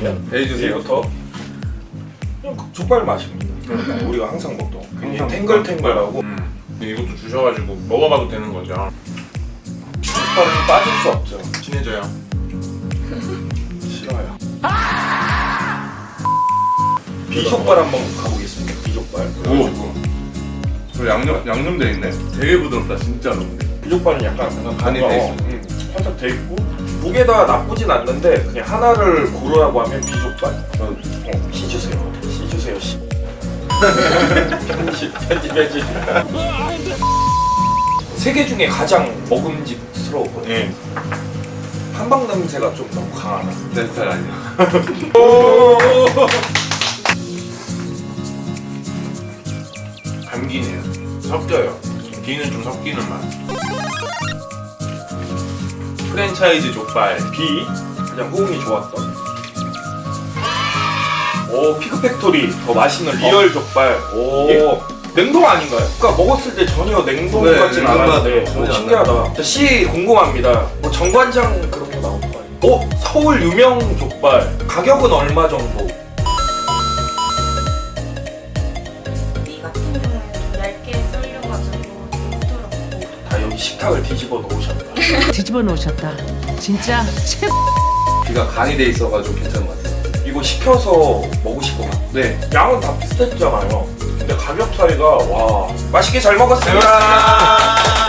그러면 해주세요. 얘부터 그냥 족발 맛입니다. 우리가 항상 먹던 굉장히 탱글탱글하고 이것도 주셔가지고 먹어봐도 되는 거죠. 족발은 빠질 수 없죠. 친해져요. 싫어요. 비족발 한번 가보겠습니다. 비족발. 오. 그 양념돼 있네. 되게 부드럽다 진짜로. 비족발은 약간 간이 뭔가, 돼 있어. 살짝 돼 있고 두 개 다 나쁘진 않는데 그냥 하나를 고르라고 하면 비족발. 시 주세요. 시 주세요. 시. 편집. 세 개 중에 가장 먹음직스러웠거든요. 예. 한방 냄새가 좀 너무 강하다. 내 스타일 아니야. 감기네요. 섞여요. 기는 좀 섞이는 맛. 프랜차이즈 족발. B 가장 호응이 좋았던. 오 피크팩토리 더 맛있는 리얼 족발. 오 예? 냉동 아닌가요? 그러니까 먹었을 때 전혀 냉동 네, 같진 냉동 않았는데 전혀 안 신기하다. 자, C 궁금합니다. 뭐 정관장 그런 거 나오는 거 아니에요? 오 서울 유명 족발 가격은 얼마 정도? 이 같은 경우는 좀 얇게 썰려가지고 되게 부드럽고 다 여기 식탁을 뒤집어 놓으셨다. 뒤집어 놓으셨다. 진짜 최고. 귀가 간이 돼 있어가지고 괜찮은 것 같아요. 이거 시켜서 먹으실 것 같아요. 네. 양은 다 비슷했잖아요. 근데 가격 차이가 와 맛있게 잘 먹었습니다.